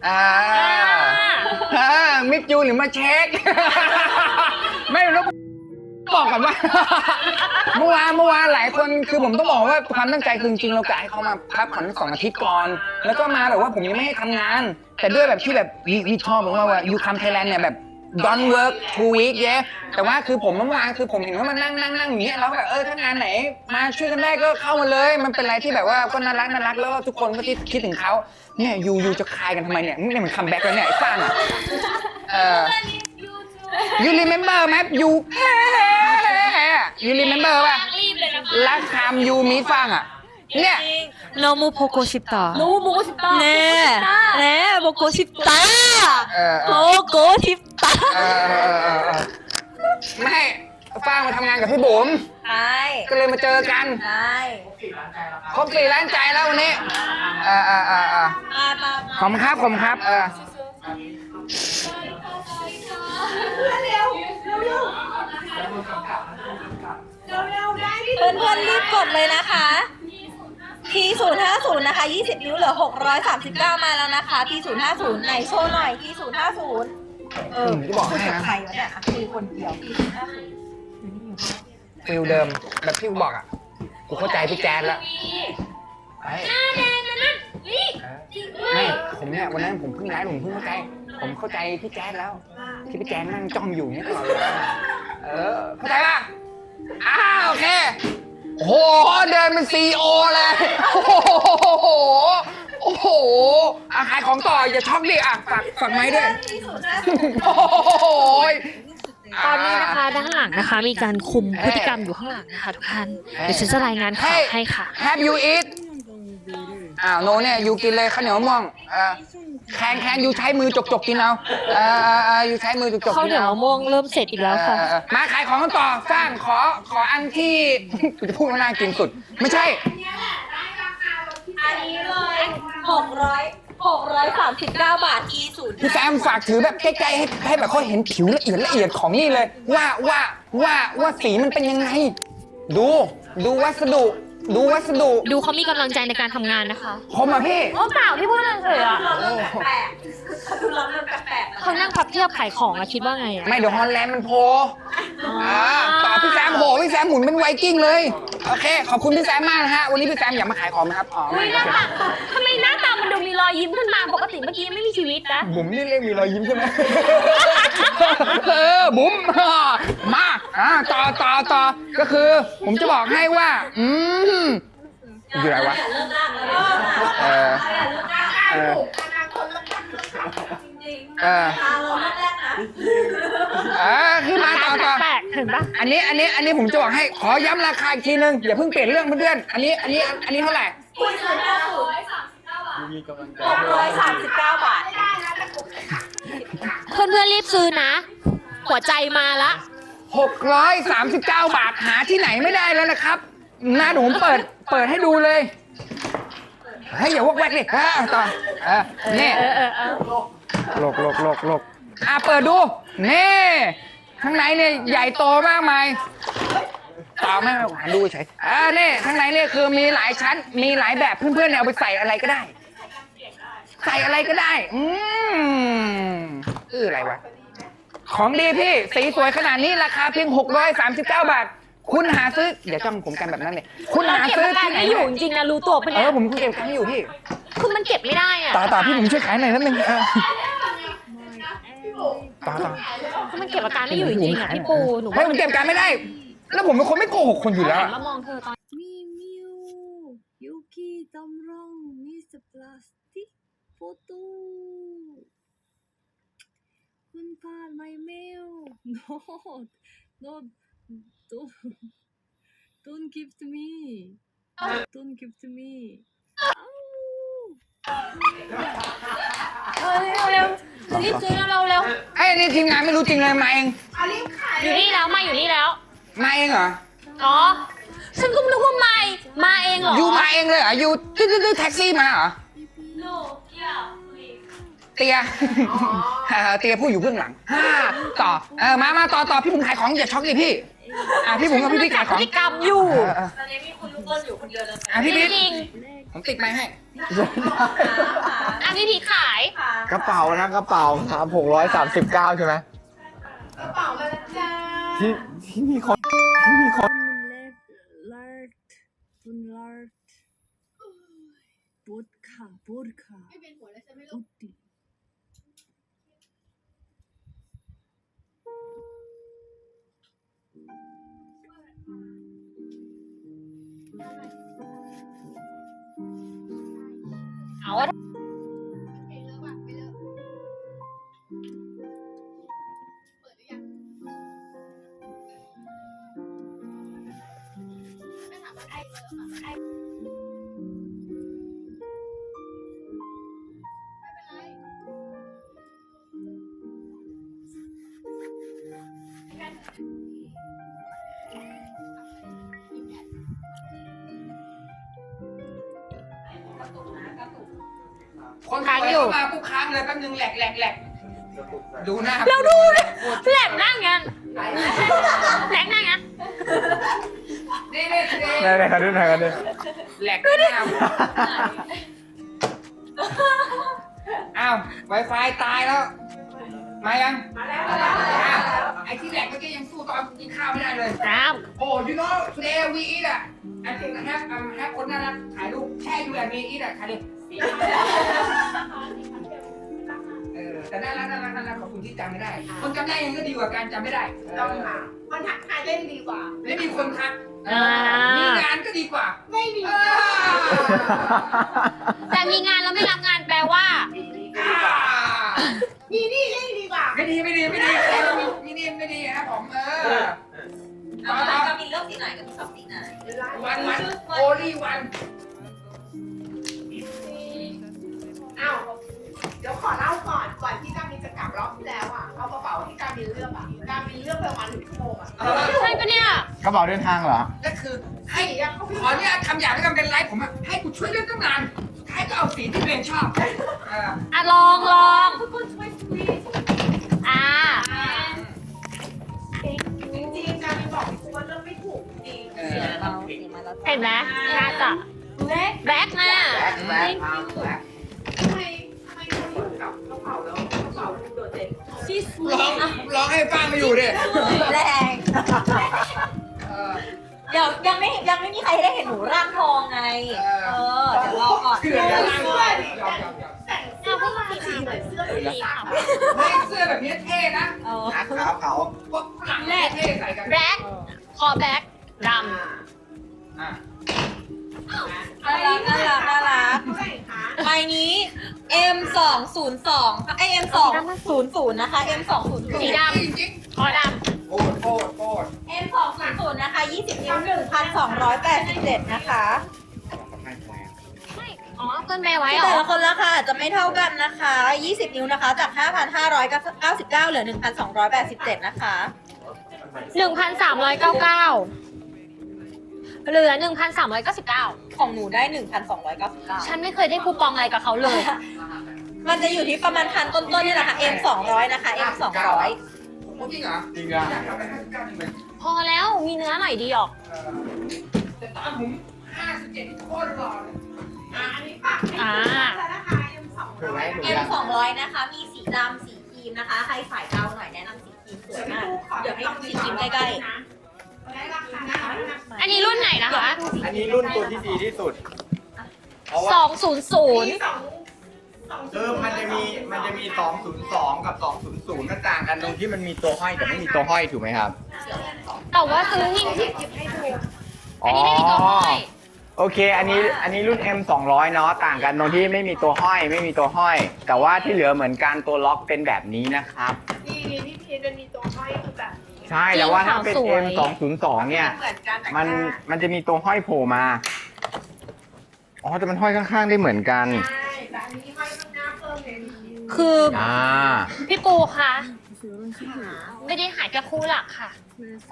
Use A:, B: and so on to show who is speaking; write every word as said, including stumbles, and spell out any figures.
A: อ่าอ่ามิดยูหรือมาเช็ค ไม่รู้บอกก่อนว่า เมื่อวานเมื่อวานหลายคนคือผมต้องบอกว่าความตั้งใจคือจริงๆเรากะให้เขามาพักผ่อนสองอาทิตย์ก่อนแล้วก็มาแบบว่าผมยังไม่ให้ทำงาน แต่ด้วยแบบที่แบบวิชอบผมว่าว่ายูคัมไทยแลนด์เนี่ยแบบ don't work two week เย้แต่ว่าคือผมเมื่อวานคือผมเห็นว่ามันนั่งนั่งนั่งอย่างเงี้ยแล้วแบบเออถ้างานไหนมาช่วยกันได้ก็เข้ามาเลยมันเป็นอะไรที่แบบว่าก็น่ารักน่ารักแล้วทุกคนก็ที่คิดถึงเขาเนี่ยยูยูจะคายกันทำไมเนี่ยนี่มันคัมแบ็กแล้วเนี่ยไอ้ฟ้างอ่ะเออ you remember ไหม you you remember ป่ะรักคำยูมีฟังอ่ะเนี่ย
B: 너무 보고 싶다.
C: 너무 보고 싶다.
B: 네, 네, 보고 싶다.
A: 어, 어.
B: 보고 싶다.
A: เออเออเออเออไม่ฟ้างมาทำงานกับพี่บุ๋ม
C: ใช่
A: ก็เลยมาเจอกัน
C: ใช่
A: ครบสี่ล้านใจแล้ววันนี้เออเออเออเออ
C: มามา
A: ขอบคุณครับขอบคุณครับเออ
C: เพื่อนเพื่อนๆรีบกดเลยนะคะ พี ศูนย์ห้าศูนย์ นะคะ ยี่สิบ นิ้วเหลือ หกร้อยสามสิบเก้า มาแล้วนะคะ พี ศูนย์ห้าศูนย์ ไหนโชว์หน่อย พี ศูนย์ห้าศูนย์ เออ
A: จะบอก
C: คุย
A: ให้
C: กับ
A: นะ
C: ใครวะเนี่ยอ่ะคุยคนเดียว พี ศูนย์ห้าศูนย์
A: ฟิลเดิมแบบที่กูบอกอ่ะกูเข้าใจพี่แจ๊ดแล้วไอ้ไม่ผมเนี่ยวันนั้นผมเพิ่งไลฟ์ผมเพิ่งเข้าใจผมเข้าใจพี่แจ๊ดแล้ว ที่พี่แจ๊ดนั่งจ้องอยู่เนี่ยตลอดเวลาเออเข้าใจป่ะอ้าวโอเคโอ้โหเดินเป็นซีโอเลยโอ้โหโอ้โหอ่ะขายของต่ออย่าช็อกดิอ่ะฝากฝากไม้ด้วยโอ้โห
B: ตอนนี้นะคะด้านหลังนะคะมีการคุมพฤติกรรมอยู่ข้างหลังนะคะทุกท่านเดี๋ยวฉันจะรายงานข่าวให้ค่ะ
A: Have you eat อ้าวโนเนี่ยยูกินเลยข้าวเหนียวมะม่วงเออแคนแคนยูใช้มือจกจกกินเอาเออเออเออยูใช้มือจกจก
B: ข้าว
A: กิน
B: เหนียว
A: เอา
B: มะม่วงเริ่มเสร็จอีกแล้วค่ะ
A: เออเออมาขายของกันต่อสร้างขอขออันที่ กูจะพูดว่าน่ากินสุด ไม่ใช่
C: อันนี้เลยหกร้อยหกร้อยสามสิบเก้าบาท อี ศูนย์
A: พี่แซมฝากถือแบบใกล้ๆให้ให้แบบเขาเห็นผิวละเอียดละเอียดของนี่เลย ว่าว่าว่าว่าสีมันเป็นยังไง ดูดูวัสดุ ดูวัสดุ
B: ดูเขามีกำลังใจในการทำงานนะคะ
A: ผมอ่ะพี่
B: โอ้เปล่าพี่พูดเฉยๆอ่ะ
C: แปลกๆเขาดูเราเริ่มแปลกๆ
B: เขานั่งพับเทียบขายของอะคิดว่าไงอะ
A: ไม่เดี๋ยวฮอลแลนด์มันโผล่อ่าต่อพี่แซมโหพี่แซมหมุนเป็นไวกิ้งเลย โอเค ขอบคุณพี่แซมมากนะฮะ วันนี้พี่แซมอยากมาขายของไหมครับ อ๋อ ไม่โอเค
B: ทำไมหน้าตามันดูมีรอยยิ้มขึ้นมาปกติเมื่อกี้ไม่มีชีวิตนะ
A: บุ๋มนี่เรียกมีรอยยิ้มใช่ไหม เออ บุ๋มมาอ่าต่อต่อต่อก็คือ ผมจะบอกให้ว่า อืมอยู่ไหนวะ เออ เออ เออเออคือมาต่อต่อ
B: แปลกๆเห็นปะ
A: อันนี้อันนี้อันนี้ผมจะบอกให้ขอย้ำราคาอีกทีนึงอย่าเพิ่งเปลี่ยนเรื่องเพื่อนๆอันนี้อันนี้อันนี้เท่าไหร่
C: หกร้อยสามสิบเก้าบาท
B: เพื่อนๆรีบซื้อนะ หัวใจมาละ
A: หกร้อยสามสิบเก้าบาทหาที่ไหนไม่ได้แล้วนะครับหน้าหนูเปิดเปิดให้ดูเลยเฮ้ยอย่าวอกแวกดิอ่าต่อเออนี่
B: เออเออเออ
A: โลกโลกโลกโลกอ่ะเปิดดูนี่ข้างในเนี่ยใหญ่โตมากมายต่อไม่ไม่หันดูเฉยอ่านี่ข้างในเนี่ยคือมีหลายชั้นมีหลายแบบเพื่อนๆเนี่ยเอาไปใส่อะไรก็ได้ ใส่อะไรก็ได้ อืมเอออะไรวะ ของดีพี่ สีสวยขนาดนี้ราคาเพียงหกร้อยสามสิบเก้าบาท คุณหาซื้อ เดี๋ยวจ้องผมกันแบบนั้นเลย คุณหาซื้อที่ไหน
B: ไม่อยู่จริงๆนะรู้ตัวปะ
A: เอ
B: เนี่ย
A: อผมเก็บตังค์อยู่พี่
B: คือมันเก็บไม่ได้อะ
A: ต่อต่อพี่ผมช่วยขายหน่อยนิดนึงเออต่อต่อ
B: คือมันเก็บอาการไม่อยู่จริงๆอะพี่ปูหนู
A: เฮ้ยผมเก็บการไม่ได้ แล้วผมเป็นคนไม่โกหกคนอยู่แล้ว
B: หั
A: อะ
B: นมามองเธอตอน
D: 미미오 여기 담랑 미스 플라스틱 포토 군파 마이 메일 no no don't don't give to me don't give to me
B: เออเร็วๆรีบซื้อเร็วเร็ว
A: ไอ้นี่ทีมงานไม่รู้จริงเลยมาเอง
B: อยู่นี่แล้วมาอยู่นี่แล้ว
A: มาเองเหรอ
B: อ๋อฉันก็นึกว่าไม่มาเองเหรอ
A: ยูมาเองเลยเหรอยูตื้อตื้อแท็กซี่มาเหรอเตียเออเตียผู้อยู่เบื้องหลังฮ่าต่อเออมามาต่อต่อพี่ผมขายของอย่าช็อกดิพี่อ่ะพี่ผมกับพี่พี่ขายของ
B: พฤติกรรมอยู่
A: เออเออ
C: ตอนนี้มีคุณลูกต้นอยู่คนเดียวเลย
A: อ่ะพี่
B: จ
A: พี่
B: ริง
A: ผมติดไม้ให้
B: ๆอ่ะพี่พีขาย
A: ขกระเป๋านะกระเป๋าครับหกร้อยสามสิบเก้าใช่ไหม
C: กระเป๋ามาแล้วจ้า
A: ที่ที่มีคนที่มีคน
D: left left one left vodka vodka ไม่เป็นหัวแล้วใช่ไหมลูก
B: เอา
A: คนค้างอยู่มาปุ๊บค้างเลยแป๊บนึงแหลกแหลกแหลกดูหน้า
B: เราดูนะแหลกนั่งงั้นแหลกนั่งงั้น
A: นี่นี่นี่
E: ไหนๆกันด้วยไหนกันด้วย
A: แหลกหน้าอ้าว Wi-Fi ตายแล้ว มายัง มาแล้วไอ้ที่แหลกเมื่อกี้ยังสู้ตอนกินข้าวไม่ได้เลย
B: ครับ
A: โอ้ you know today we eat อ่ะ I think I have um have คนน่ารักถ่ายรูปแช่อยู่แบบนี้ eat อ่ะถ่ายดิเออแต่น่ารักน่ารักน่ารักขอบคุณที่จำไม่ได้ คนจำได้ยังก็ดีกว่าการจำไม่ได้
C: ต้องค่ะคนทักทายเล่นดีกว่า
A: ไม่มีคนทัก
B: อ่ามี
A: มีงานก็ดีกว่า
C: ไม่มี
A: อ่า
B: แต่มีงานแล้วไม่รับงานแปลว่า
A: อ่า
C: มีนี่เล่นดีกว่า
A: ไม่ดีไม่ดีไม่ดีไม่ดีไม่ดีครับผมเออ
C: เอาละก็มีเลือกสีไหนกับชอบสีไหน
A: วันวันโอลี่วัน
F: อ้าวเดี๋ยวขอเล่าก่อนก่อนที่การมินจะกลับรอบที่แล้วอ่ะเอากระเป๋าที่การมินเลือกอ่ะการมินเลือกไปประมาณหนึ่งชั่วโมงอ่ะ
B: ใช่ปะเนี่ย
E: กระเป๋าเดินทางเหรอ
A: ก็คือให้ขอเนี่ยทำอย่างที่ทำเป็นไลฟ์ผมอะให้กูช่วยเลือกตั้งนานสุดท้ายก็เอาสีที่ตัวเองชอบเออ
B: อ่ะลองลอง
F: ทุกคนช่วยคุย
B: อ่า
F: จริงๆการมินบอกพี่ว่าเลือกไม่ถูกจริง
A: เอ
C: สี
A: อ
C: เราสีมาแล้ว
B: เห็นไหมน่าจะ
F: เล็ก
B: แบ็คน่ะ
A: แบล็คแบล็ค
F: ทำไมทำไมคนอยู่กับกระเป๋าแล้วกระเป๋าดูโดดเด่น
C: ชีส
A: ร้องร้องให้ฟังมาอยู่ดิ
C: แรง
A: เออ
C: เดี๋ยวยังไม่ยังไม่มีใครได้เห็นหนูร่างทองไง เออ เดี๋ยวรอก่อน
A: เสื้อจะล่างด้วยยอมยอมยอม
F: แต่งเสื้อผ้าสีเหมือนเสื้อสีขาว
A: ไม่เสื้อแบบนี้เท่นะ
C: เออ
E: ขาวขาว
A: พวกฝรั่งเท่ใส่กัน
B: แบ็คคอแบ็คด
A: อ่ะ
C: น่ารักน่ารักน่ารัก
F: เท่าไหร่คะ
C: ใบนี้ เอ็ม สอง ศูนย์ สองไอ เอ็ม สอง ศูนย์ ศูนย์ นะคะ เอ็ม สอง ศูนย์ ศูนย์
A: จริง
B: ำคอด
A: ๆโคตรโคตรโคตร
C: เอ็ม สอง ศูนย์ ศูนย์ นะคะ ยี่สิบ นิ้ว หนึ่งพันสองร้อยแปดสิบเจ็ด นะคะ
B: ำใช่อ๋อเพื่อนแม่ไว้เหร
C: แต่
B: อ
C: ละคนราคาอาจจะไม่เท่ากันนะคะ ยี่สิบ นิ้วนะคะ จาก ห้าพันห้าร้อยเก้าสิบเก้า เหลือ หนึ่งพันสองร้อยแปดสิบเจ็ด นะคะ
B: หนึ่งพันสามร้อยเก้าเก้าเหลือหนึ่งพันสามร้อยเก้าสิบเก้า
C: ของหนูได้ หนึ่งพันสองร้อยเก้าสิบเก้า
B: ฉันไม่เคยได้คูปองอะไรกับเขาเลย
C: มันจะอยู่ที่ประมาณพันต้นๆนี่แหละค่ะ เอ็ม สองร้อย นะคะ เอ็ม สองร้อย
A: จริงเหรอ
E: จริงอ่ะ
A: อยากทำไปห้าสิบเก้าจริงเลย
B: พอแล้วมีเนื้อหน่อยดีออก
A: แต่ตอนผมห้าสิบเจ็ดโคตรหล่อเลย
F: อ่ะอันนี้ปาก
B: อ่า
F: แล้วนะคะเอ็มสอง
E: ถูกไหม
F: ร้อย
E: ถูก
C: เอ็ม
E: ยัง
C: สองร้อย นะคะ มีสีดำสีครีมนะคะ ใครสายเทาหน่อยแนะนำสีครีมสวยมาก เดี๋ยวให้ดูสีครีมใกล้
F: นะได้ราคานะคะ
B: อันนี้รุ่นไหนนะคะ
E: อันนี้รุ่นตัวที่ดีที่สุด เพราะว่า
B: สองศูนย์ศูนย์
F: มีสองสอง
E: เออมันจะมีมันจะมีสองศูนย์สองกับสองศูนย์ศูนย์มันต่างกันตรงที่มันมีตัวห้อยกับไม่มีตัวห้อยถูกไหมครับ
B: แต่ว่าซื้อนี่
E: อ๋
B: อั
E: อน
B: นี้ไม่มีตัวห้อย
E: โอเค อันนี้อันนี้รุ่น เอ็ม สองร้อย เนาะต่างกันตรงที่ไม่มีตัวห้อยไม่มีตัวห้อย แต่ว่าที่เหลือเหมือนกันตัวล็อกเป็นแบบนี้นะครับ
F: ดีดีที่พีจะมีตัวห้อยคือแบบนี้
E: ใช่แต่ว่าถ้าเป็น เอ็ม สองศูนย์สอง เนี่ย
F: เหมือนกันแต่
E: มัน
F: หา
E: มันจะมีตัวห้อยโผล่มา อ๋อแต่มันห้อยข้างๆได้เหมือนกัน
F: ใช่แต่อันนี้ห้อยข้างหน้าเพิ่มเลย
B: คือ
E: อ่า
B: พี่ปูคะ
D: 그래서 이런 식으로
B: ไม่ได้หายแค่คู่หลักค่ะ